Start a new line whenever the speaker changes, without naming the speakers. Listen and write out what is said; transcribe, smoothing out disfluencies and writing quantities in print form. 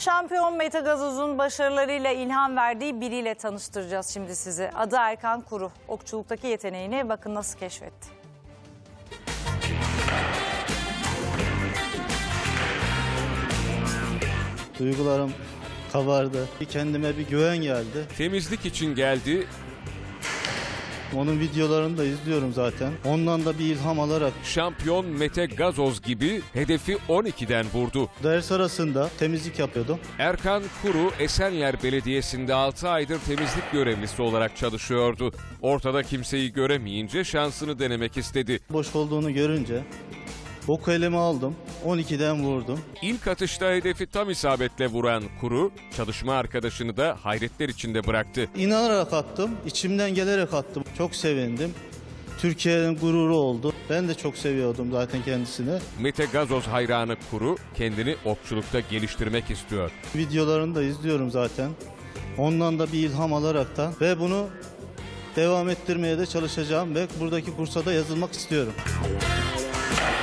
Şampiyon Mete Gazoz'un başarılarıyla ilham verdiği biriyle tanıştıracağız şimdi sizi. Adı Erkan Kuru. Okçuluktaki yeteneğini bakın nasıl keşfetti.
Duygularım kabardı. Kendime bir güven geldi.
Temizlik için geldi.
Onun videolarını da izliyorum zaten. Ondan da bir ilham alarak
Şampiyon Mete Gazoz gibi hedefi 12'den vurdu.
ders arasında temizlik yapıyordum.
Erkan Kuru Esenler Belediyesi'nde 6 aydır temizlik görevlisi olarak çalışıyordu. Ortada kimseyi göremeyince şansını denemek istedi.
Boş olduğunu görünce oku elime aldım. 12'den vurdum.
İlk atışta hedefi tam isabetle vuran Kuru, çalışma arkadaşını da hayretler içinde bıraktı.
İnanarak attım. İçimden gelerek attım. Çok sevindim. Türkiye'nin gururu oldu. Ben de çok seviyordum zaten kendisini.
Mete Gazoz hayranı Kuru kendini okçulukta geliştirmek istiyor.
Videolarını da izliyorum zaten. Ondan da bir ilham alaraktan ve bunu devam ettirmeye de çalışacağım ve buradaki kursa da yazılmak istiyorum.